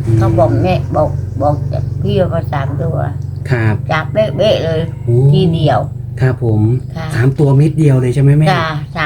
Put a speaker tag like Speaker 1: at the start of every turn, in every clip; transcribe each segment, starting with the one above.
Speaker 1: เขาบอกแม่บอกพี่ว่า3 ตัว
Speaker 2: ครับ
Speaker 1: จับเบ๊ะๆเลย
Speaker 2: โอ้
Speaker 1: ทีเดียว
Speaker 2: ครับผม
Speaker 1: ค่ะ
Speaker 2: 3 ตัวเม็ดเดียวเลยใช่ไหมแม่
Speaker 1: จ้าสาม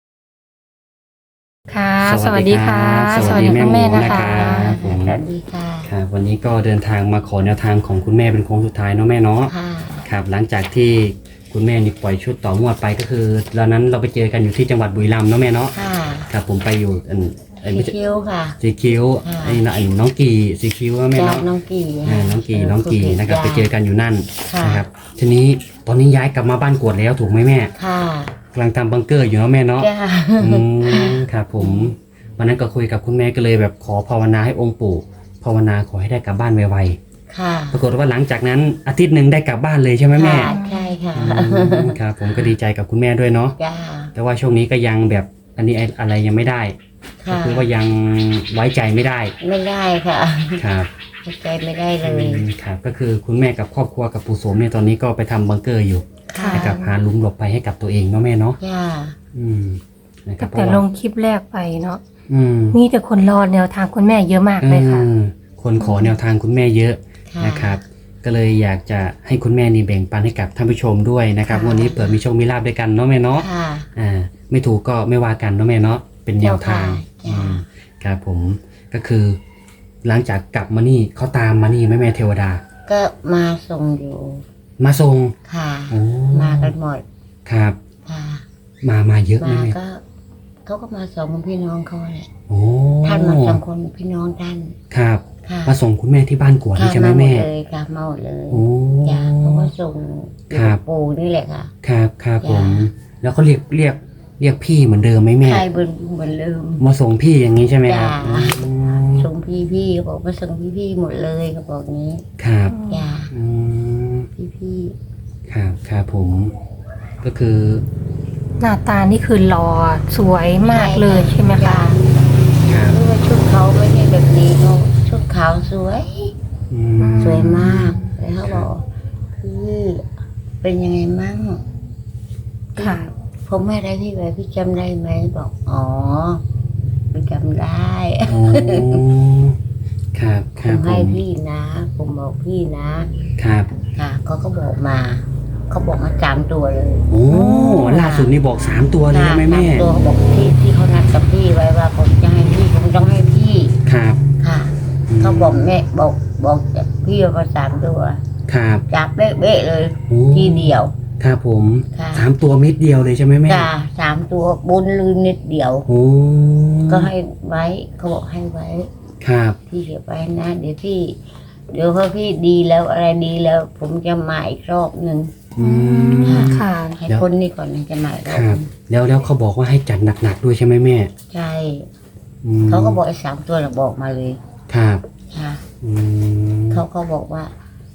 Speaker 3: ค่ะ
Speaker 2: ส
Speaker 3: ส
Speaker 2: วั
Speaker 3: วั
Speaker 2: ส
Speaker 3: ส
Speaker 2: ดี
Speaker 3: ดี
Speaker 2: ครั
Speaker 3: ค่ะ
Speaker 2: บ
Speaker 3: สวัสดีคุณแม่นะคะ
Speaker 2: ผม
Speaker 1: สวัสดีค่ะ
Speaker 2: ครับวันนี้ก็เดินทางมาขอแนวทางของคุณแม่เป็นโค้งสุดท้ายเนาะแม่เนาะ
Speaker 1: ค่ะ
Speaker 2: ครับหลังจากที่คุณแม่นี่ปล่อยชุดต่องวดไปก็คือตอนนั้นเราไปเจอกันอยู่ที่จังหวัดบุรีรัมย์เนาะแม่เนาะ
Speaker 1: ค่ะ
Speaker 2: ครับผมไปอยู่
Speaker 1: สี
Speaker 2: ไม่ใช่
Speaker 1: คิ้วค่ะ
Speaker 2: สีคิ้ว
Speaker 1: ค่ะ
Speaker 2: ไอ้น้องกีสีคิ้วว่าแม่
Speaker 1: จ้า
Speaker 2: เนาะ
Speaker 1: น้องกี
Speaker 2: น้องกีนะครับไปเจอกันอยู่นั่น
Speaker 1: ค่ะ
Speaker 2: นะครับทีนี้ตอนนี้ย้ายกลับมาบ้านกวดแล้วถูกไหมแม่
Speaker 1: ค่ะ
Speaker 2: กำลังทำบังเกอร์อยู่เนาะแม่เนาะ
Speaker 1: จ้า
Speaker 2: อืมครับผมวันนั้นก็คุยกับคุณแม่ก็เลยแบบขอภาวนาให้องค์ปู่ภาวนาขอให้ได้กลับบ้านไว
Speaker 1: ค่ะ
Speaker 2: ๆปรากฏว่าหลังจากนั้นอาทิตย์หนึ่งได้กลับบ้านเลยใช่ไหมแม่
Speaker 1: ค่ะใช่ค่ะ
Speaker 2: อืมครับผมก็ดีใจกับคุณแม่ด้วยเนาะ
Speaker 1: จ้า
Speaker 2: แต่ว่าช่วงนี้ก็ยังแบบอันนี้อะไรยังไม่ได้ก็
Speaker 1: ค่ะ
Speaker 2: คือว่ายังไว้ใจไม่ได้
Speaker 1: ไม่ได้ค่ะ
Speaker 2: ครับ
Speaker 1: เข้าใจไม่ได้เลย
Speaker 2: ครับก็คือคุณแม่กับครอบครัวกับปู่โสมเนี่ยตอนนี้ก็ไปทำบังเกอร์อยู่
Speaker 1: ค่ะ
Speaker 2: นะครับหาหลุมหลบภัยให้กับตัวเองเนาะแม่เนาะ
Speaker 1: จ้า
Speaker 2: อืมนะครับ
Speaker 3: แต่ลงคลิปแรกไปเนาะ
Speaker 2: อืม
Speaker 3: มีแต่คนรอแนวทางคุณแม่เยอะมากเลยค่ะ
Speaker 2: คนขอแนวทางคุณแม่เยอะ
Speaker 1: ค่ะ
Speaker 2: นะครับ ก็เลยอยากจะให้คุณแม่นี่แบ่งปันให้กับท่านผู้ชมด้วยนะครับ
Speaker 3: ค่ะ
Speaker 2: วันนี้เปิดมีโชคมีลาบด้วยกันเนาะแม่เนาะ
Speaker 1: ค่ะ
Speaker 2: ไม่ถูกก็ไม่ว่ากันเนาะแม่เนาะเป็นแนวทาง
Speaker 1: เจ้าค่ะ
Speaker 2: ครับผมก็คือ หลังจากกลับมานี่เขาตามมานี่แม่เทวดา
Speaker 1: ก็มาส่งอยู่
Speaker 2: มาส่ง
Speaker 1: ค่ะ
Speaker 2: โอ้
Speaker 1: มากันหมด
Speaker 2: ครับ
Speaker 1: ค่ะ
Speaker 2: มาเยอะไหม
Speaker 1: มา
Speaker 2: แม่
Speaker 1: ก็เขาก็มา2 คนพี่น้องเขาแหละ
Speaker 2: โอ้
Speaker 1: ท่านมา2 คนพี่น้องท่าน
Speaker 2: ครับ
Speaker 1: ค่ะ
Speaker 2: มาส่งคุณแม่ที่บ้านกวดนี่ใช่ไหม
Speaker 1: ค่ะาห
Speaker 2: แม่
Speaker 1: ดเลยค่ะมาหมดเลย
Speaker 2: โอ้
Speaker 1: จ้าเขาก็ส่ง
Speaker 2: ครับ
Speaker 1: ปู่นี่แหละค่ะ
Speaker 2: ครับผม
Speaker 1: จ้ะ
Speaker 2: แล้วเขาเรียกพี่เหมือนเดิมไหมแม่
Speaker 1: ใครเหมือนเดิม
Speaker 2: มาส่งพี่อย่างนี้ใช่ไหมครับ
Speaker 1: จ้ะ
Speaker 2: อืม
Speaker 1: ส่งพี่เขาบอกมาส่งพี่หมดเลยเขาบอกงี้
Speaker 2: ครับ
Speaker 1: จ้า
Speaker 2: อืม
Speaker 1: พี่
Speaker 2: ครับผม ก็คือ
Speaker 3: หน้าตานี่คือหล่อสวยมากเลยใช่ไหมคะ
Speaker 2: ครับ
Speaker 1: รู้ว่าชุดเขาไม่ใช่แบบนี้เขาชุดขาวสวย
Speaker 2: อื
Speaker 1: สวยมากแล้วเขาบอกพี่เป็นยังไงมั่ง
Speaker 3: ค่ะ
Speaker 1: ผมไม่ได้พี่ไว้พี่จำได้ไหมบอกอ๋อพี่จำได้
Speaker 2: โอ้ครับค
Speaker 1: ผ
Speaker 2: รับ
Speaker 1: ม
Speaker 2: ผ
Speaker 1: ให้
Speaker 2: ม
Speaker 1: พี่นะ ผมบอกพี่นะครับ ค่ะเขาก็บอกมาเขาบอกมา3 ตัวเลย
Speaker 2: โอ้ล่าสุดนี่บอก3 ตัวเลยใช่ไหมแม่
Speaker 1: 3 ตัวเขาบอกที่เขานัดกับพี่ไว้ว่าผมจะให้พี่ผมต้องให้พี่
Speaker 2: ครับ
Speaker 1: ค่ะ
Speaker 2: ม
Speaker 1: เขาบอกแม่บอกพี่ว่า3 ตัว
Speaker 2: ครับ
Speaker 1: จับเบ๊ะๆเลย
Speaker 2: โอ้
Speaker 1: ทีเดียว
Speaker 2: ครับผม
Speaker 1: ค่ะ
Speaker 2: 3 ตัวเม็ดเดียวเลยใช่ไหมแม่
Speaker 1: จ้า3 ตัวบนลืมนิดเดียว
Speaker 2: โอ้
Speaker 1: ก็ให้ไว้เขาบอกให้ไว้
Speaker 2: ครับ
Speaker 1: พี่เก็บไว้นะเดี๋ยวพอพี่ดีแล้วอะไรดีแล้ว ผมจะมาอีกรอบหนึ่ง
Speaker 2: อืม
Speaker 3: ค่ะ
Speaker 1: ให้คนนี้ก่อนนะจะมาอีกร
Speaker 2: ค
Speaker 1: อบ
Speaker 2: รับ แล้วเขาบอกว่าให้จัดหนักๆด้วยใช่ไหมแม่
Speaker 1: ใช่
Speaker 2: อืม
Speaker 1: เขาก็บอกไอ้3 ตัวน่ะบอกมาเลย
Speaker 2: ครับ
Speaker 1: ค่ะ
Speaker 2: อืม
Speaker 1: เขาก็บอกว่า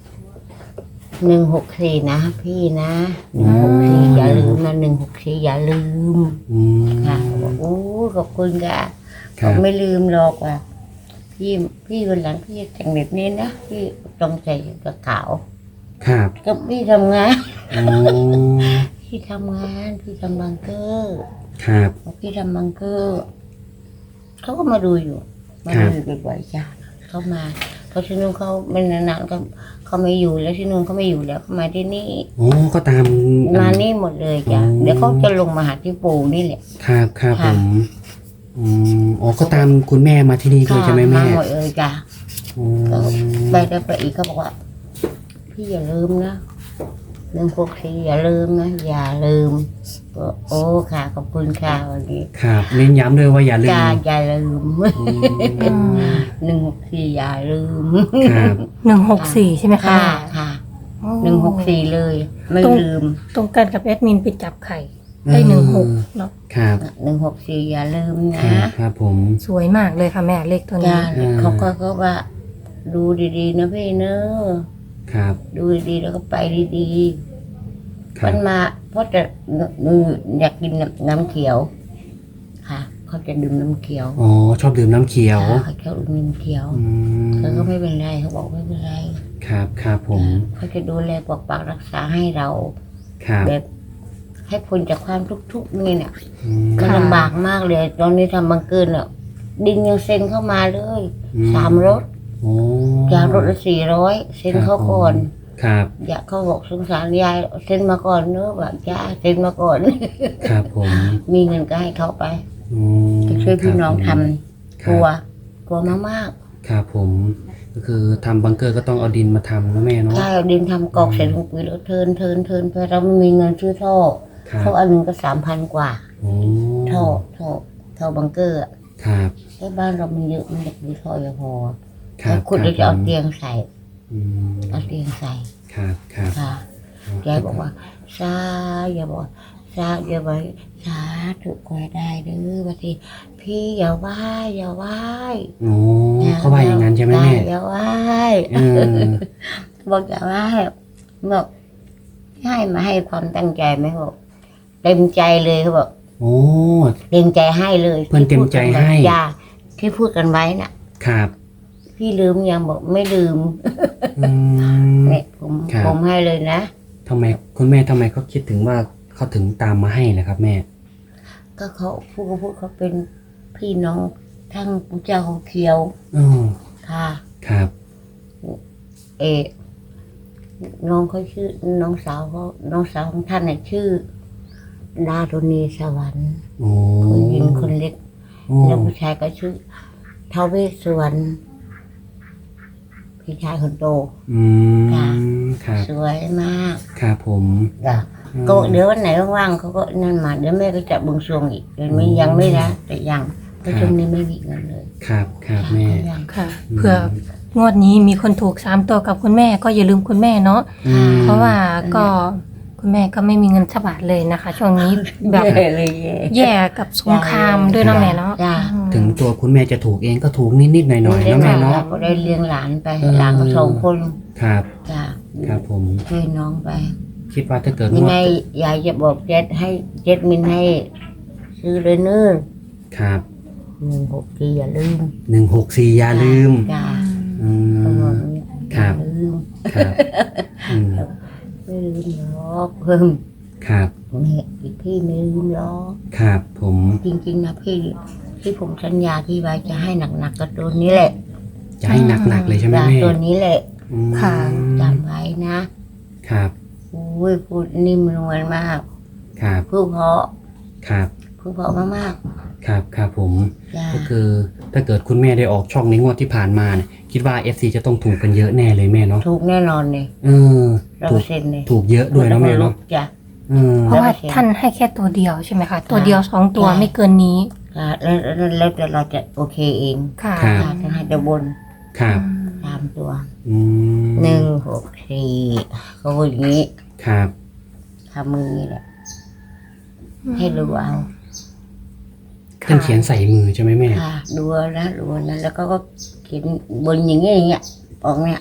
Speaker 1: 164นะพี่นะ164อย่าลืมนะ164อย่าลืม
Speaker 2: อืม
Speaker 1: ค่ะบอกโอ้ขอบคุณค่ะ
Speaker 2: ครั
Speaker 1: ผม
Speaker 2: บ
Speaker 1: ไม่ลืมหรอกว่าพี่วันหลังพี่แต่งแบบนี้นะพี่ต้องใส่กระขาว
Speaker 2: ครับ
Speaker 1: ก็พี่ทำงาน
Speaker 2: โอ้
Speaker 1: พี่ทำงานพี่ทำบังเกอร์
Speaker 2: ครับ
Speaker 1: พี่ทำบังเกอร์เขาก็มาดูอยู่มาดูอยู่บ่อยๆจ้ะเขามาเขาที่นู่นเขาไม่นานๆก็เขาไม่อยู่แล้วที่นู่นเขาไม่อยู่แล้วเขามาที่นี่
Speaker 2: โอ้ก็ตาม
Speaker 1: มานี่หมดเลยจ้ะ
Speaker 2: อ๋อ
Speaker 1: เดี๋ยวเขาจะลงมาหาที่ปู่นี่แหละ
Speaker 2: ครับผ
Speaker 1: ค่ะ
Speaker 2: มอ๋อก็ตามคุณแม่มาที่นี่ด้วยใช่ไหมแม่
Speaker 1: มาหมดเลยจ้ะ
Speaker 2: โอ้
Speaker 1: ไปอีกเขาบอกว่า พี่อย่าลืมนะ164อย่าลืมนะอย่าลืมโอ้ค่ะขอบคุณค่ะวันนี้
Speaker 2: ครับเน้นย้ำด้วยว่าอย่าลืม
Speaker 1: อย่าลืม
Speaker 2: อืม
Speaker 1: 164อย่าลืม
Speaker 2: ครับ
Speaker 3: 164ใช่ไหมคะ
Speaker 1: ค่ะค่ะ
Speaker 3: โอ้
Speaker 1: 164เลย ไม่ลืม
Speaker 3: ตรงกันกับแอดมินไปจับไข่ได้16เนาะ
Speaker 2: ครับ
Speaker 1: 164อย่าลืม
Speaker 2: ครั
Speaker 1: นะ
Speaker 2: บครับผม
Speaker 3: สวยมากเลยค่ะแม่เลขตัวนี้
Speaker 1: จ้าเขาก็ว่า ดูดีๆนะพี่เนอะ
Speaker 2: ครับ
Speaker 1: ดูดีๆแล้วก็ไปดี
Speaker 2: ค
Speaker 1: ๆ
Speaker 2: รั
Speaker 1: มั
Speaker 2: บ
Speaker 1: นมาเพราะจะอยากกินน้ำเขียว ค่ะเขาจะดื่มน้ำเขียว
Speaker 2: อ๋อชอบดื่มน้ำเขียว
Speaker 1: เขาชอบดื่มน้ำเขียว
Speaker 2: อืม
Speaker 1: เขาก็ไม่เป็นไรเขาบอกไม่เป็นไร
Speaker 2: ครับผม
Speaker 1: เขาจะดูแลปกปักรักษาให้เรา
Speaker 2: ครับ
Speaker 1: แบบให้พ้นจากความทุกข์นี่เนี่ย
Speaker 2: อืม
Speaker 1: มันลำบากมากเลย ตอนนี้ทำบังเกินอ่ะดินยังเซ็นเข้ามาเลย 3 รถ
Speaker 2: โอ้
Speaker 1: ยารถละ400เซ็นเขาก่อน
Speaker 2: ครับ
Speaker 1: อยากเขาบอกสงสารยายเซ็นมาก่อนเนอะแบบยายเซ็นมาก่อน
Speaker 2: ครับผม
Speaker 1: มีเงินก็ให้เขาไป
Speaker 2: อืม
Speaker 1: จะช่วยพี่น้องทำ
Speaker 2: ค
Speaker 1: ก
Speaker 2: รับ
Speaker 1: ลัวมาก
Speaker 2: ครับผมก็คือทำบังเกอร์ก็ต้องเอาดินมาทำนะแม่
Speaker 1: ๆ
Speaker 2: เนาะ
Speaker 1: ถ้าเอาดินทำกอกเสร็จลงปุ๋ยแล้วเทินไปเราไม่มีเงินซื้อท่อ
Speaker 2: ครับ
Speaker 1: ท่ออันหนึ่งก็3,000 กว่า
Speaker 2: โอ้
Speaker 1: ท่อบังเกอร์อะ
Speaker 2: ครับ
Speaker 1: แต่บ้านเรามันเยอะมันอยากมีท่ออย่าพอ
Speaker 2: ครั
Speaker 1: แล้
Speaker 2: บ
Speaker 1: วขุดแล้วจะเอา
Speaker 2: ผม
Speaker 1: เตียงใส่
Speaker 2: อืม
Speaker 1: เอาเตียงใส่
Speaker 2: ครับครับ
Speaker 1: ค่ะยายบอกว่าสาอย่าบอกสาอย่าไปสาถูกกว่าได้เด้อบางทีพี่อย่าไหว้อย่าไหว้
Speaker 2: โอ้เขาว่าอย่างนั้นใช่ไหมแม่
Speaker 1: อย่าไหว้
Speaker 2: เออ
Speaker 1: บอกอย่าไหว้บอกให้ความตั้งใจไหมบอกเต็มใจเลยเขาบอก
Speaker 2: โอ้
Speaker 1: เต็มใจให้เลย
Speaker 2: เพิ่นเต็มใจให้
Speaker 1: จ้าที่พูดกันไว้น่ะ
Speaker 2: ครับ
Speaker 1: พี่ลืมยังบอกไม่ลืม
Speaker 2: อืม
Speaker 1: เนี่ย
Speaker 2: ครับ
Speaker 1: ผมให้เลยนะ
Speaker 2: ทำไมคุณแม่ทำไมเขาคิดถึงว่าเขาถึงตามมาให้ล่ะครับแม่
Speaker 1: ก็เขาพูดเขาเป็นพี่น้องทั้งปู่เจ้าเขาเขียว
Speaker 2: อ๋อ
Speaker 1: ค่ะ
Speaker 2: ครับ
Speaker 1: เออน้องเขาชื่อน้องสาวของท่านน่ะชื่อดารุณีสวรรค์
Speaker 2: โอ้
Speaker 1: ผู้หญิงคนเล็ก
Speaker 2: โอ้
Speaker 1: แล้วผู้ชายก็ชื่อท้าวเวสสุวรรณพี่ชายคนโต
Speaker 2: อืม
Speaker 1: ค่ะ
Speaker 2: ครับ
Speaker 1: สวยมาก
Speaker 2: ครับผม
Speaker 1: จ้ะก็เดี๋ยววันไหนว่างๆเขาก็นั่นมาเดี๋ยวแม่ก็จะบวงสรวงอีกเดี๋ยวไม่ยังไม่นะแต่ยังเพราะช่วงนี้ไม่มีเงินเลย
Speaker 2: ครับครับแม่
Speaker 1: ยัง
Speaker 3: ค่ะ เผื่องวดนี้มีคนถูก3 ตัวกับคุณแม่ก็อย่าลืมคุณแม่เนาะ
Speaker 2: อืม
Speaker 3: เพราะว่าก็คุณแม่ก็ไม่มีเงินสักบาทเลยนะคะ ช่วงนี้แบบ
Speaker 1: แย่เลยแย่
Speaker 3: แย่กับสงครามด้วยเนาะแม่เนาะ
Speaker 1: จ้ะ
Speaker 3: อืม
Speaker 2: ถึงตัวคุณแม่จะถูกเองก็ถูกนิดๆหน่อยๆนะแม่เนาะ
Speaker 1: ก็ได้เลี้ยงหลานไป
Speaker 2: เออ
Speaker 1: หลานก็2 คน
Speaker 2: ครับ
Speaker 1: จ้ะ
Speaker 2: ครับผม
Speaker 1: ช่วยน้องไป
Speaker 2: คิดว่าถ้าเกิด
Speaker 1: ยัง
Speaker 2: ว่า
Speaker 1: ไงยายจะบอกเจ็ดให้เจ็ดมินให้ซื้อเลยเนื้อ
Speaker 2: ครับ
Speaker 1: 164อย่าลืม
Speaker 2: 164อย่าลืม
Speaker 1: จ้ะ
Speaker 2: อื
Speaker 1: เขาบอ
Speaker 2: ม
Speaker 1: กอย่างนี้
Speaker 2: ครับ
Speaker 1: อย่าลืม
Speaker 2: ครับอืม
Speaker 1: ไม่ลืมหรอกเพิ่ม
Speaker 2: ครับ
Speaker 1: เนี่ยอีกพี่ไม่ลืมหรอก
Speaker 2: ครับผม
Speaker 1: จริงๆนะพี่ที่ผมสัญญาที่ไว้จะให้หนักๆกับตัวนี้แหละ
Speaker 2: จะให้หนักๆเลยใช่ไหม
Speaker 1: จ้ะ
Speaker 2: แม่
Speaker 1: ตัวนี้แหละ
Speaker 2: อืม
Speaker 3: ค่ะ
Speaker 1: จำไว้นะครับ อุ้ยพูดนิ่มนวลมาก
Speaker 2: ครับ
Speaker 1: พูดเพราะ
Speaker 2: ครับ
Speaker 1: พูดเพราะมาก
Speaker 2: ครับครับผม
Speaker 1: ๆจ้ะ
Speaker 2: ก็คือถ้าเกิดคุณแม่ได้ออกช่องในงวดที่ผ่านมาเนี่ยคิดว่า FC จะต้องถูกกันเยอะแน่เลยแม่เนาะ
Speaker 1: ถูกแน่นอนเลย
Speaker 2: เออถูก
Speaker 1: 100%เลย
Speaker 2: ถูกเยอะด้วยนะแม่เนาะ
Speaker 1: จ้ะ
Speaker 2: เออ
Speaker 3: เพราะว่าท่านให้แค่ตัวเดียวใช่ไหมคะตัวเดียว2 ตัว
Speaker 1: ใช่
Speaker 3: ไม่เกินนี้
Speaker 1: ค่ะแล้วแต่เราจะโอเคเอง
Speaker 3: ค่ะ
Speaker 2: ครับ
Speaker 1: ค่ะจะให้แต่บน
Speaker 2: ครับ
Speaker 1: 3 ตัว
Speaker 2: อืม
Speaker 1: 164เขาพูดอย่างนี้
Speaker 2: ครับ
Speaker 1: ทำมือนี่แหละ ให้ดูเอา
Speaker 2: ท่านเขียนใส่มือใช่ไหมแม่
Speaker 1: ค่ะดูเอานะดูเอานะแล้วก็เขียนบนอย่างเงี้ยออกเนี่ย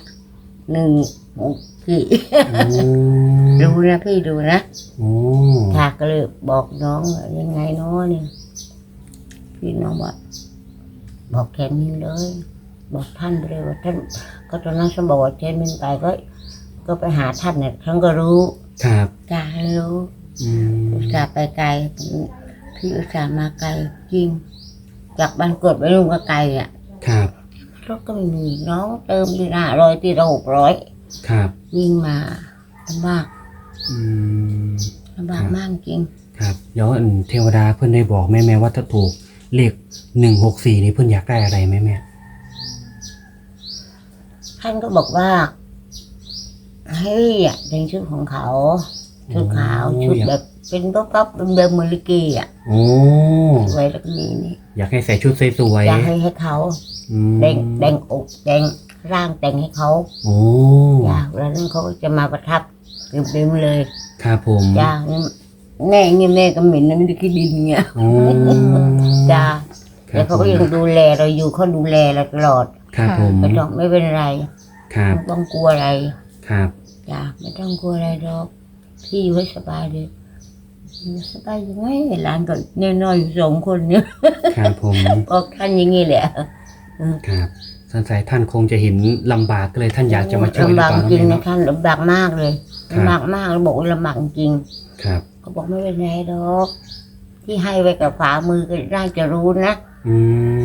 Speaker 1: 164
Speaker 2: โอ้
Speaker 1: ดูนะพี่ดูนะ
Speaker 2: โอ้
Speaker 1: ค่ะก็เลยบอกน้องว่ายังไงเนาะนี่พี่น้องบอกแค่นี้เลย บอกท่านไปเลยว่าท่านก็ตอนนั้นฉันบอกว่าเจนมินไปก็ไปหาท่านเนี่ยท่านก็รู้
Speaker 2: ครับ
Speaker 1: จ้าให้รู้
Speaker 2: อืม
Speaker 1: อุตส่าห์ไปไกลพี่อุตส่าห์มาไกลจริงจากบ้านเกิดไปลุงก็ไกลอ่ะ
Speaker 2: ครับ
Speaker 1: รถก็ไม่มีน้องเติมที่500ที่600
Speaker 2: ครับ
Speaker 1: วิ่งมาลำบาก
Speaker 2: อืม
Speaker 1: ลำบากมากจริง
Speaker 2: ครับแล้วอันเทวดาเพื่อนได้บอกแม่ว่าถ้าถูกเลข164นี่เพื่อนอยากได้อะไรไหมแม่
Speaker 1: ท่านก็บอกว่าให้เป็นชุดของเขาชุดขาวชุดแบบเป็นป๊อปเป็นแบบเมลิกีอ่ะ
Speaker 2: โอ้
Speaker 1: สวยแล้วก็มีนี่
Speaker 2: อยากให้ใส่ชุดสวย
Speaker 1: อยากให้เขา
Speaker 2: ๆอืม
Speaker 1: แต่งอกแต่งร่างแต่งให้เขา
Speaker 2: โอ้
Speaker 1: อยากแล้วนั่นเขาก็จะมาประทับเต็มๆเลย
Speaker 2: ครับผม
Speaker 1: จ้าแม่เงี้ยแม่ก็เหม็นนะไม่ได้คิดดินเงี้ย
Speaker 2: โอ้
Speaker 1: จ้า
Speaker 2: ครั
Speaker 1: แต่
Speaker 2: บ
Speaker 1: เขา
Speaker 2: ผ
Speaker 1: ก็
Speaker 2: ม
Speaker 1: ยังดูแลเราอยู่เขาดูแลเราตลอด
Speaker 2: ครับผม
Speaker 1: ไม่ต้องไม่เป็นไร
Speaker 2: ครับ
Speaker 1: ไม่ต้องกลัวอะไร
Speaker 2: ครับ
Speaker 1: จ้าไม่ต้องกลัวอะไรหรอกพี่อยู่ให้สบายเลยสบายยังไงหลานก็น้อยๆอยู่2 คนเนี่ย
Speaker 2: ครับผม
Speaker 1: บอกท่านอย่างงี้แหละ
Speaker 2: ครับสงสัยท่านคงจะเห็นลำบากก็เลยท่านอยากจะมาช่วยหรือ
Speaker 1: ลำบาก
Speaker 2: เปล่า
Speaker 1: จริง
Speaker 2: แม่
Speaker 1: นะ
Speaker 2: เนาะ
Speaker 1: ท่านลำบากมากเลย
Speaker 2: ครับ
Speaker 1: ลำบากมากแล้วบอกว่าลำบากจริง
Speaker 2: ครับ
Speaker 1: เขาบอกไม่เป็นไรหรอกที่ให้ไว้กับฝ่ามือก็น่าจะรู้นะ
Speaker 2: อืม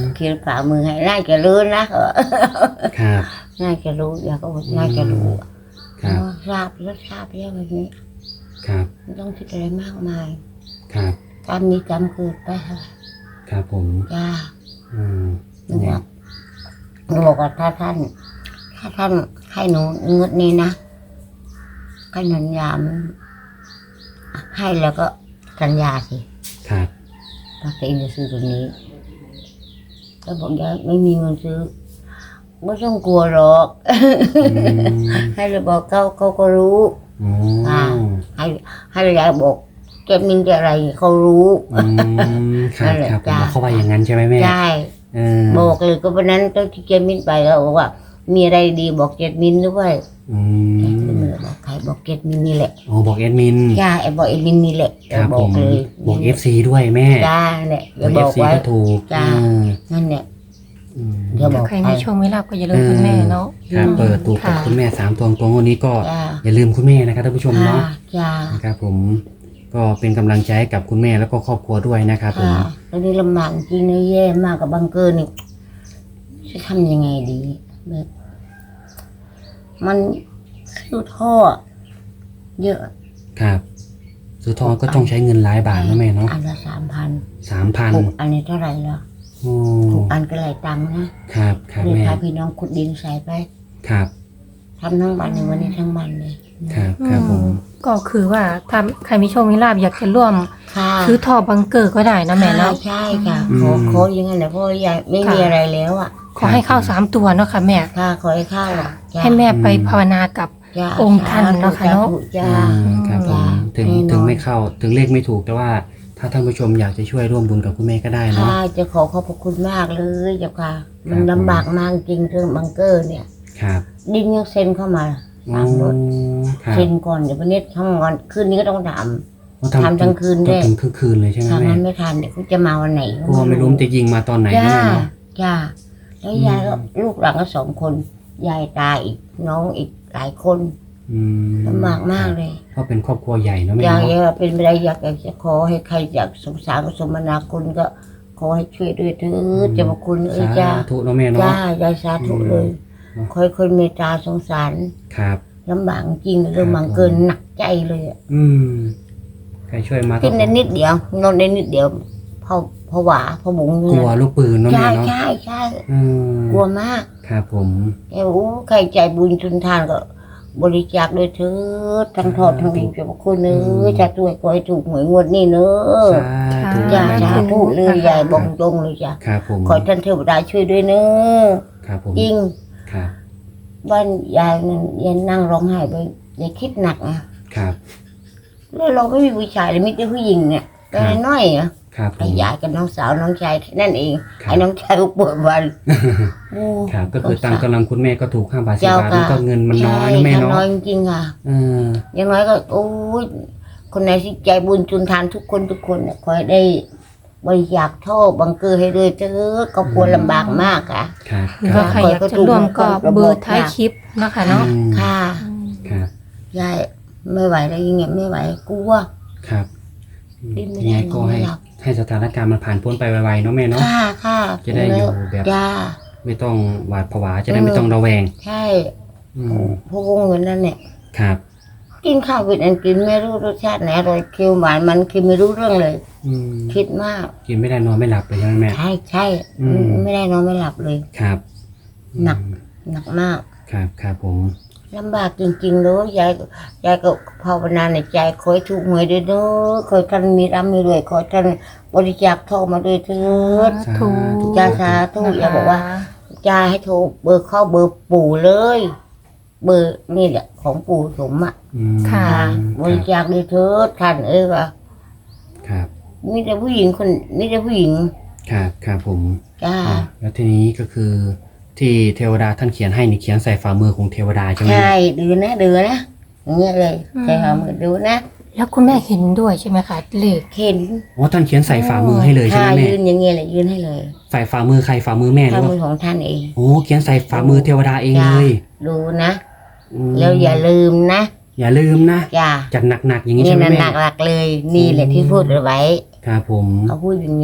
Speaker 1: เขียนฝ่ามือให้น่าจะรู้นะ
Speaker 2: ครับ
Speaker 1: น่าจะรู้อยากก็บอกน่าจะรู้
Speaker 2: ครับ
Speaker 1: ทราบแล้วทราบแล้วแบบนี้
Speaker 2: ครับ
Speaker 1: ไม่ต้องคิดอะไรมากมาย
Speaker 2: ครับ
Speaker 1: กรรมนี้กรรมเกิดไปค่ะ
Speaker 2: ครับผม
Speaker 1: จ้า
Speaker 2: อืม
Speaker 1: หนูบอกหนูบอกว่าถ้าท่านให้หนูเงินนี้นะให้สัญญามันให้แล้วก็สัญญาสิ
Speaker 2: ครับ
Speaker 1: ว่าตัวเองจะซื้อตัวนี้แล้วบอกยายไม่มีเงินซื้อไม่ต้องกลัวหรอก
Speaker 2: อืม
Speaker 1: ให้เราบอกเขาก็รู้
Speaker 2: อ๋อ
Speaker 1: ให้เรายายบอกเก็บมินจะอะไรเขารู้
Speaker 2: อืมครับครับผมเขาว่าอย่างนั้นใช่ไหมแม่
Speaker 1: ใช่
Speaker 2: เออ
Speaker 1: บอกเลยก็วันนั้นตอนที่เจมินไปแล้วบอกว่า มีอะไรดีบอกเจมินด้วย
Speaker 2: อื
Speaker 1: แกก็
Speaker 2: ม
Speaker 1: ไม่ได้บอกใครบอกเจมินนี่แหละ
Speaker 2: อ๋อบอกแอดมิน
Speaker 1: จ้าไอ้บอกเอมินนี่แหละ
Speaker 2: ครับ
Speaker 1: บอ
Speaker 2: ผ
Speaker 1: ก
Speaker 2: ม
Speaker 1: เลย
Speaker 2: บอก FC ด้วยแม่
Speaker 1: จ้าเนี่ย
Speaker 2: บ
Speaker 1: จะ
Speaker 2: อก
Speaker 1: บอก
Speaker 2: FC
Speaker 1: ไว้
Speaker 2: ก็ถูก
Speaker 1: จ้า
Speaker 2: เออ
Speaker 1: นั่นเนี่ย
Speaker 2: อืม
Speaker 1: เดี๋ยวบอก
Speaker 3: ใครมีโชคไม่ลาบก็อย่าลืมคุณแม่เนาะ
Speaker 2: ครับเปิดถูกกับ
Speaker 3: ค่ะ
Speaker 2: คุณแม่3ตัวตรงวันนี้ก็
Speaker 1: จ้า
Speaker 2: อย่าลืมคุณแม่นะครับท่านผู้ชม
Speaker 1: ค่ะ
Speaker 2: เนาะ
Speaker 1: จ้า
Speaker 2: นะครับผมก็เป็นกำลังใจให้กับคุณแม่แล้วก็ครอบครัวด้วยนะครับผม
Speaker 1: ค่ะตอนนี้ลำบากจริงนะแย่มากกับบังเกอร์นี่จะทำยังไงดีแบบมันคิวท่อเยอะ
Speaker 2: ครับซื้อทองก็ต้องใช้เงินหลายบาทนะแม่เนาะ
Speaker 1: อันละ3,000
Speaker 2: 3,000
Speaker 1: ถูกอันนี้เท่าไหร่ละ
Speaker 2: โอ้
Speaker 1: ถูกอันก็หลายตังค์นะครับ
Speaker 2: ครับ
Speaker 1: เลย
Speaker 2: แม่
Speaker 1: พาพี่น้องขุดดินใส่ไป
Speaker 2: ครับ
Speaker 1: ทำทั้งวันในวันนี้ทั้งวันเลย
Speaker 2: ครับครับผม
Speaker 3: ก็คือว่าถ้าใครมีโชคมีลาบอยากจะร่วม
Speaker 1: ค่ะ
Speaker 3: ซื้อท่อบังเกอร์ก็ได้นะแม่เนาะ
Speaker 1: ใช่ค่ะขออย่างนั้นแหละเพราะยายไม่มีอะไรแล้วอ่ะ
Speaker 3: ขอให้เข้า3 ตัวเนาะค่ะแม่
Speaker 1: ค่ะขอให้เข้าอ่ะจ้ะ
Speaker 3: ให้แม่ไปภาวนากับ
Speaker 1: จ้ะ
Speaker 3: องค์ท่านเนาะค่ะเนาะ
Speaker 1: จ้า
Speaker 2: ครับผม
Speaker 1: จ้ะ
Speaker 2: ถึง
Speaker 1: แน่นอน
Speaker 2: ถึงไม่เข้าถึงเลขไม่ถูกแต่ว่าถ้าท่านผู้ชมอยากจะช่วยร่วมบุญกับคุณแม่ก็ได้เนาะ
Speaker 1: ค่ะจะขอบพระคุณมากเลยเจ้าค่ะ มันลำบากมากจริงเรื่องบังเกอร์เนี่ย
Speaker 2: ครับ
Speaker 1: ดินยังเซ็นเข้ามา
Speaker 2: อ๋อ
Speaker 1: ตามรถ
Speaker 2: ครับ
Speaker 1: เซ็นก่อนเดี๋ยววันนี้ทั้งวันคืนนี้ก็ต้องท
Speaker 2: อ๋อ
Speaker 1: ทำทั้งคืนด้วย
Speaker 2: ถึงคืนเลยใช่ไหม
Speaker 1: ำถ้า
Speaker 2: แม่
Speaker 1: มันไม่ทันเดี๋ยวเขาจะมาวันไหน
Speaker 2: กลัวไม่รู้มันจะยิงมาตอนไหนนะ
Speaker 1: จ้า
Speaker 2: แม่เนาะ
Speaker 1: จ้าแล้วยายก็ลูกหลานก็2 คนยายตาอีกน้องอีกหลายคน
Speaker 2: อืม
Speaker 1: ลำบากมากเลย
Speaker 2: เพราะเป็นครอบครัวใหญ่เนาะแม่
Speaker 1: อยาก
Speaker 2: เนาะ
Speaker 1: จะเป็นไปได้อยากจะขอให้ใครอยากสงสารสมนาคุณก็ขอให้ช่วยด้วยเถิดเจ้าพระคุณเอ้ย
Speaker 2: สา
Speaker 1: จ้า
Speaker 2: ธุเนาะแม่เนาะ
Speaker 1: จ้ายายสาธุเลย
Speaker 2: อืม
Speaker 1: คอยคนเมตตาสงสาร
Speaker 2: ครับ
Speaker 1: ลำบากจริงเรื่องบังเกินหนักใจเลยอะ
Speaker 2: อืมใครช่วยมา
Speaker 1: กินได้นิดเดียวนอนได้นิดเดียวพอหวาพอบุ๋ง
Speaker 2: กลัวลูกปืนเนาะ
Speaker 1: ใช่
Speaker 2: แม่เนาะ
Speaker 1: ใช่ใช่
Speaker 2: อืม
Speaker 1: กลัวมาก
Speaker 2: ครับผม
Speaker 1: เอ้าใครใจบุญชุนทานก็ บริจาคด้วยเถิดทั้งทอดทั้งดีเจ้าพระคุณเนื้อจะช่วยขอให้ถูกหวยงวดนี้เนื้อ
Speaker 2: สาธุ
Speaker 1: จ้า
Speaker 2: แม่
Speaker 1: สา
Speaker 2: เนาะ
Speaker 1: ธุเลยยายบอกตรงเลยจ้ะ
Speaker 2: ครับผม
Speaker 1: ขอท่านเทวดาช่วยด้วยเนื้อ
Speaker 2: ครับผม
Speaker 1: จริง
Speaker 2: ครับ
Speaker 1: บ้านยายนั่นยายนั่งร้องไห้ไปยายคิดหนักอ่ะ
Speaker 2: ครับ
Speaker 1: แล้วเราไม่มีผู้ชายเลยมีแต่ผู้หญิงเนี่ยก็น้อยอ่ะ
Speaker 2: ครับผ
Speaker 1: ไอ้
Speaker 2: ม
Speaker 1: ยายกับน้องสาวน้องชายนั่นเอง
Speaker 2: ครับ
Speaker 1: ไอ้น้องชายก็ปวดวันโอ้
Speaker 2: ครับก็คือตามกำลังคุณแม่ก็ถูก5 บาท10
Speaker 1: เจ้า
Speaker 2: บาท
Speaker 1: ค่ะ
Speaker 2: แล้วก็เงินมันน้อย
Speaker 1: ใช่
Speaker 2: นะแม่เนาะ
Speaker 1: น้อยจริงๆค่ะ
Speaker 2: เออ
Speaker 1: อย่างน้อยก็โอ้ยคนไหนที่ใจบุญจุนทานทุกคนเนี่ยขอให้ได้บริจาคท่อบังเกอร์ให้ด้วยเถอะก็กลัวลำบากมากค่ะ
Speaker 2: ครับ
Speaker 3: หรือว่าใครอยากจะร่วมก็เบอร์ท้ายคลิปนะคะเนาะ
Speaker 2: อืม
Speaker 1: ค่ะ
Speaker 2: ครับ
Speaker 1: ยายไม่ไหวแล้วยังไงไม่ไหวกลัว
Speaker 2: ครับ
Speaker 1: ดิ้นไม่
Speaker 2: ยัง
Speaker 1: ได้
Speaker 2: ไงก็
Speaker 1: นอนไม่
Speaker 2: ให้
Speaker 1: หลับ
Speaker 2: ให้สถานการณ์มันผ่านพ้นไปไวๆเนาะแม่เนาะ
Speaker 1: ค่ะค่ะ
Speaker 2: จะได้อยู่แบบ
Speaker 1: จ้า
Speaker 2: ไม่ต้องหวาดผวาจะได้ไม่ต้องระแวง
Speaker 1: ใช่
Speaker 2: อืม
Speaker 1: พวกเงินนั่นเนี่ย
Speaker 2: ครับ
Speaker 1: กินข้าวเป็นอันกินไม่รู้รสชาติไหนอร่อยเคี้ยวหวานมันคือไม่รู้เรื่องเลย
Speaker 2: อืม
Speaker 1: คิดมาก
Speaker 2: กินไม่ได้นอนไม่หลับเลยใช่ไหมแม่
Speaker 1: ใช่ใช่
Speaker 2: อืม
Speaker 1: ไม่ได้นอนไม่หลับเลย
Speaker 2: ครับ
Speaker 1: หนัก
Speaker 2: อืม
Speaker 1: หนักมาก
Speaker 2: ครับครับผม
Speaker 1: ลำบากจริงๆเลยยายก็ภาวนาในใจขอให้ถูกหวยด้วยเด้อขอให้ท่านมีร่ำมีรวยขอให้ท่านบริจาคทองมาด้วยเถิด
Speaker 2: สาธุ
Speaker 1: จ้าสาธุอย่าบอกว่าจ้าให้โทรเบอร์เข้าเบอร์ปู่เลย เบอร์นี่แหละของปู่สมอ่ะ
Speaker 2: อืม
Speaker 3: ค่ะ
Speaker 1: บริจาคด้วยเถิดท่านว่ะ
Speaker 2: ครับ
Speaker 1: มีแต่ผู้หญิงคนมีแต่ผู้หญิง
Speaker 2: ครับครับผม
Speaker 1: จ้า
Speaker 2: อ่ะแล้วทีนี้ก็คือที่เทวดาท่านเขียนให้นี่เขียนใส่ฝ่ามือของเทวดาใช่ไหม
Speaker 1: ใช่ดูนะอย่างเงี้ยเลยใส่หามือดูนะ
Speaker 3: แล้วคุณแม่เห็นด้วยใช่ไหมคะเลข
Speaker 1: เห็น
Speaker 2: อ๋อท่านเขียนใส่ฝ่ามือให้เลยใช่ไหม
Speaker 1: ค่ะ
Speaker 2: แม่
Speaker 1: ยืนอย่างเงี้ยเลยยืนให้เลย
Speaker 2: ใส่ฝ่ามือใครฝ่ามือแม่หรื
Speaker 1: ข้า
Speaker 2: อว่า
Speaker 1: มือของท่านเอง
Speaker 2: โอ้เขียนใส่ฝ่ามือเทวดาเองเลย
Speaker 1: ดูนะ
Speaker 2: อืม
Speaker 1: แล้วอย่าลืมนะ
Speaker 2: อย่าลืมนะ
Speaker 1: จ้า
Speaker 2: จัดหนักๆอย่างนี้
Speaker 1: นี่
Speaker 2: ใช่ไหม
Speaker 1: นั่น
Speaker 2: แม่
Speaker 1: หนักๆเลย นี่แหละที่พูดเอาไว้
Speaker 2: ครับผม
Speaker 1: เขาพูดอย่างนี้แหละ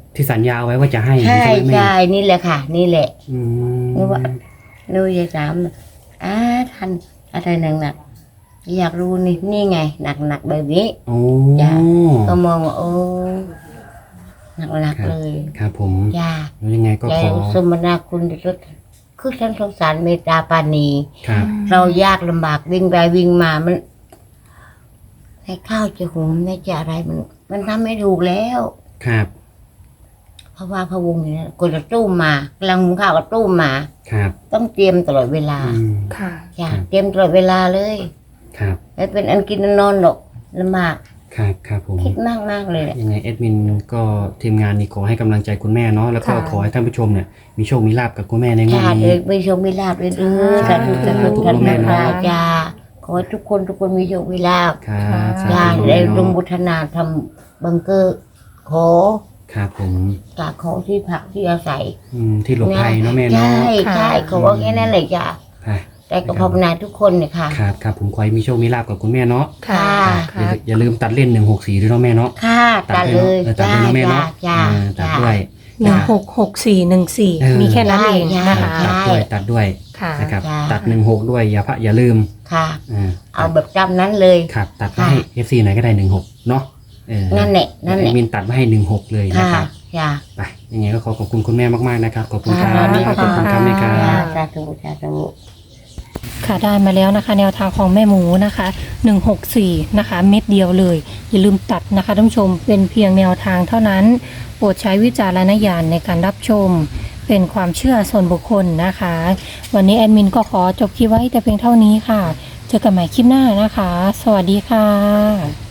Speaker 2: ที่สัญญาไว้ว่าจะให้
Speaker 1: ใช่
Speaker 2: ใช่ไหมแม่
Speaker 1: ใช่นี่แหละค่ะ นี่แหละ
Speaker 2: อืม
Speaker 1: นึกว่านึกจะถามท่านอะไรหนักๆอยากรู้นี่ไงหนักแบบนี้
Speaker 2: โอ้
Speaker 1: จ้ะ ก็มองว่าโอ้หนักๆเลย
Speaker 2: ครับผม
Speaker 1: จ้า
Speaker 2: แล้วยังไงก็
Speaker 1: ใจ
Speaker 2: ขอ
Speaker 1: สมนาคุณที่สุดคือท่านสงสารเมตตาปราณี
Speaker 2: ครับ
Speaker 1: เรายากลำบากวิ่งไปวิ่งมามันให้ข้าวจะหุงให้จะอะไรมันทำไม่ถูกแล้ว
Speaker 2: ครับ
Speaker 1: เพราะว่าพะวงอย่างนี้กดจะตู้มมากำลังหุงข้าวก็ตู้มมา
Speaker 2: ครับ
Speaker 1: ต้องเตรียมตลอดเวลา
Speaker 2: อืม
Speaker 3: ค่ะ
Speaker 1: จ้า
Speaker 2: ครับ
Speaker 1: เตรียมตลอดเวลาเลย
Speaker 2: ครับ
Speaker 1: ไม่เป็นอันกินอันนอนหรอกลำบาก
Speaker 2: ครับครับผม
Speaker 1: คิดมากมากๆเลยแหละ
Speaker 2: ยังไงแอดมินก็ทีมงานนี่ขอให้กำลังใจคุณแม่เนาะแล้วก็
Speaker 3: ค่ะ
Speaker 2: ขอให้ท่านผู้ชมเนี่ยมีโชคมีลาบกับคุณแม่ในงวด
Speaker 1: จ้า
Speaker 2: นี้
Speaker 1: เด็กไม่โชคไม่ลาบเลยสาธุสาธุ
Speaker 2: ทุก
Speaker 1: ท่าน
Speaker 2: แม่
Speaker 1: แม่
Speaker 2: เนาะ
Speaker 1: จ้าขอให้ทุกคนมีโชคมีลาบ
Speaker 2: ครับ
Speaker 1: จ้า
Speaker 2: สาธุ
Speaker 1: ได้
Speaker 2: แม่
Speaker 1: ลง
Speaker 2: เนาะ
Speaker 1: บุทนาทำบังเกอร์ขอ
Speaker 2: ครับผม
Speaker 1: จากของที่พักที่อาศัย
Speaker 2: ที่หลบภัยเนาะแม่เนาะ
Speaker 1: ใช่
Speaker 3: ค่ะ
Speaker 1: ใช่เขาว่าแค่นั้นเลยจ้า
Speaker 2: ค่ะ
Speaker 1: แต่ก็ภาวนาทุกคนเนี่ยค่ะ
Speaker 2: ครับครับผมขอให้มีโชคมีลาบกับคุณแม่เนาะ
Speaker 3: ค่ะ
Speaker 1: ค่ะ
Speaker 2: อย่าลืมตัดเล่น164ด้วยเนาะแม่เนาะ
Speaker 1: ค่ะตัดเลย
Speaker 2: ตัด
Speaker 1: จ้า
Speaker 2: ด้วยเนาะแม่
Speaker 1: จ้า
Speaker 2: เนาะ
Speaker 1: จ้า
Speaker 2: ตัด
Speaker 1: จ้า
Speaker 2: ด้วย
Speaker 3: 166414
Speaker 2: เออ
Speaker 3: มีแค่นั้นเอง
Speaker 1: ใช่
Speaker 3: นะคะ
Speaker 1: ใช่
Speaker 2: ตัดด้วย
Speaker 3: ค่ะ
Speaker 2: นะครับ
Speaker 1: จ้า
Speaker 2: ตัด16ด้วยอย่าลืม
Speaker 1: ค่ะ
Speaker 2: อ่า
Speaker 1: เอาแบบจำนั้นเลย
Speaker 2: ครับตัดไว้ให้ FC ไหนก็ได้16เนาะนั่
Speaker 1: นั่นแหละนั่นแหละ
Speaker 2: มินตัดไว้ให้16เลยนะ
Speaker 1: ค่ะ
Speaker 2: ครับ
Speaker 1: จ้า
Speaker 2: ไปยังไงก็ขอขอบคุณคุณแม่มากๆนะครับขอบคุณครับ
Speaker 1: ค่ะ
Speaker 2: ขอบคุณครับแม่ครับ
Speaker 1: สาธุสาธุ
Speaker 3: ค่ะได้มาแล้วนะคะ แนวทางของแม่หมูนะคะ164นะคะเม็ดเดียวเลย อย่าลืมตัดนะคะท่านผู้ชมเป็นเพียงแนวทางเท่านั้น โปรดใช้วิจารณญาณในการรับชม เป็นความเชื่อส่วนบุคคลนะคะ วันนี้แอดมินก็ขอจบคลิปไว้แต่เพียงเท่านี้ค่ะ เจอกันใหม่คลิปหน้านะคะ สวัสดีค่ะ